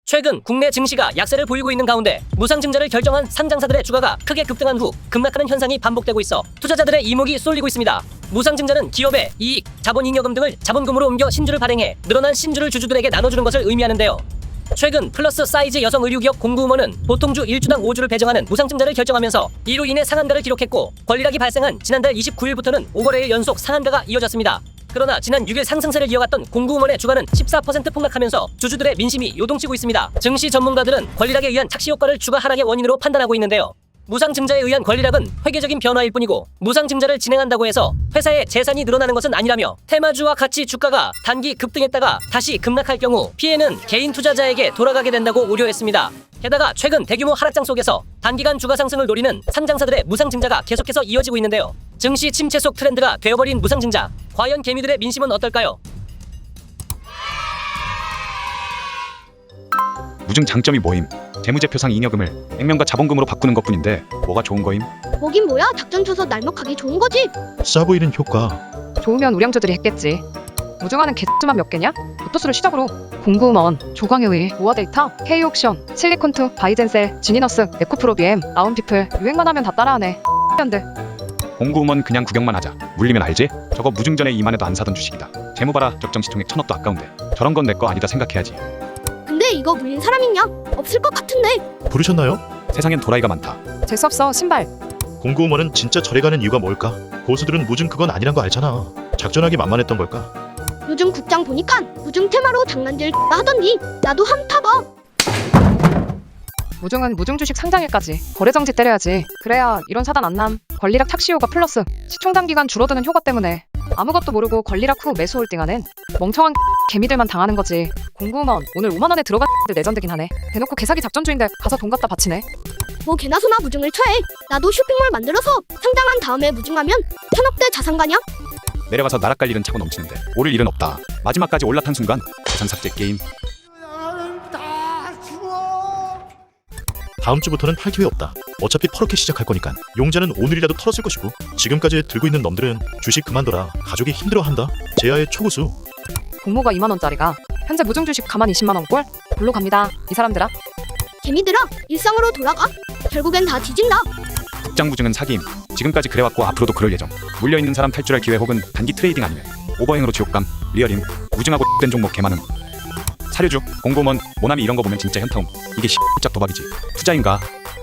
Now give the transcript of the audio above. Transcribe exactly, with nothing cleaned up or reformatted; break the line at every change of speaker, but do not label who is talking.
최근 국내 증시가 약세를 보이고 있는 가운데 무상증자를 결정한 상장사들의 주가가 크게 급등한 후 급락하는 현상이 반복되고 있어 투자자들의 이목이 쏠리고 있습니다. 무상증자는 기업의 이익, 자본잉여금 등을 자본금으로 옮겨 신주를 발행해 늘어난 신주를 주주들에게 나눠주는 것을 의미하는데요. 최근 플러스 사이즈 여성 의류기업 공구음원은 보통주 일 주당 오 주를 배정하는 무상증자를 결정하면서 이로 인해 상한가를 기록했고, 권리락이 발생한 지난달 이십구 일부터는 오 거래일 연속 상한가가 이어졌습니다. 그러나 지난 육 일 상승세를 이어갔던 공구음원의 주가는 십사 퍼센트 폭락하면서 주주들의 민심이 요동치고 있습니다. 증시 전문가들은 권리락에 의한 착시 효과를 주가 하락의 원인으로 판단하고 있는데요. 무상증자에 의한 권리락은 회계적인 변화일 뿐이고, 무상증자를 진행한다고 해서 회사의 재산이 늘어나는 것은 아니라며, 테마주와 같이 주가가 단기 급등했다가 다시 급락할 경우 피해는 개인 투자자에게 돌아가게 된다고 우려했습니다. 게다가 최근 대규모 하락장 속에서 단기간 주가 상승을 노리는 상장사들의 무상증자가 계속해서 이어지고 있는데요. 증시 침체 속 트렌드가 되어버린 무상증자, 과연 개미들의 민심은 어떨까요?
무증 장점이 뭐임? 재무제표상 잉여금을 액면과 자본금으로 바꾸는 것뿐인데 뭐가 좋은 거임?
뭐긴 뭐야, 작전 쳐서 날먹하기 좋은 거지.
싸 보이는 효과.
좋으면 우량주들이 했겠지. 무증화는 개수만 몇 개냐? 로또스를 시작으로 공구음원, 조광의의, 모아데이터, K옥션, 실리콘투, 바이젠셀, 지니너스, 에코프로비엠, 아운피플 유행만 하면 다 따라하네. 현대.
공구음원 그냥 구경만 하자. 물리면 알지? 저거 무증 전에 이만 해도 안 사던 주식이다. 재무 봐라. 적정시총액 천억도 아까운데. 저런 건 내 거 아니다 생각해야지.
근데 이거 물린 사람 있냐? 없을 것 같은데.
부르셨나요?
세상엔 도라이가 많다.
재수없어 신발.
공구음원은 진짜 절에 가는 이유가 뭘까? 고수들은 무증 그건 아니란 거 알잖아. 작전하기 만만했던 걸까?
요즘 국장 보니까 무중 테마로 장난질 하던디. 나도 함 타봐.
무증은 무증 주식 상장일까지 거래 정지 때려야지. 그래야 이런 사단 안 남. 권리락 착시 효과 플러스 시총 단기간 줄어드는 효과 때문에 아무것도 모르고 권리락 후 매수 홀딩하는 멍청한 개미들만 당하는 거지. 공구음원 오늘 오만 원에 들어갔는데 내전되긴 하네. 대놓고 개사기 작전주인데 가서 돈 갖다 바치네.
뭐 개나 소나 무중을 쳐해. 나도 쇼핑몰 만들어서 상장한 다음에 무중하면 천억대 자산가냐?
내려가서 나락갈 일은 차고 넘치는데 오를 일은 없다. 마지막까지 올라탄 순간 재산 삭제 게임.
다음 주부터는 할 기회 없다. 어차피 퍼렇게 시작할 거니까. 용자는 오늘이라도 털었을 것이고, 지금까지 들고 있는 놈들은 주식 그만둬라. 가족이 힘들어한다. 제아의 초고수.
공모가 이만 원짜리가 현재 무증 주식 가만 이십만 원 꼴? 골로 갑니다. 이 사람들아.
개미들아, 일상으로 돌아가. 결국엔 다 뒤진다.
국장 무증은 사기임. 지금까지 그래왔고 앞으로도 그럴 예정. 물려있는 사람 탈출할 기회 혹은 단기 트레이딩 아니면 오버행으로 지옥감. 리얼임. 무증하고 된 종목 개많음. 사료주, 공고먼, 모나미 이런 거 보면 진짜 현타움. 이게 씨 짝 도박이지. 투자인가?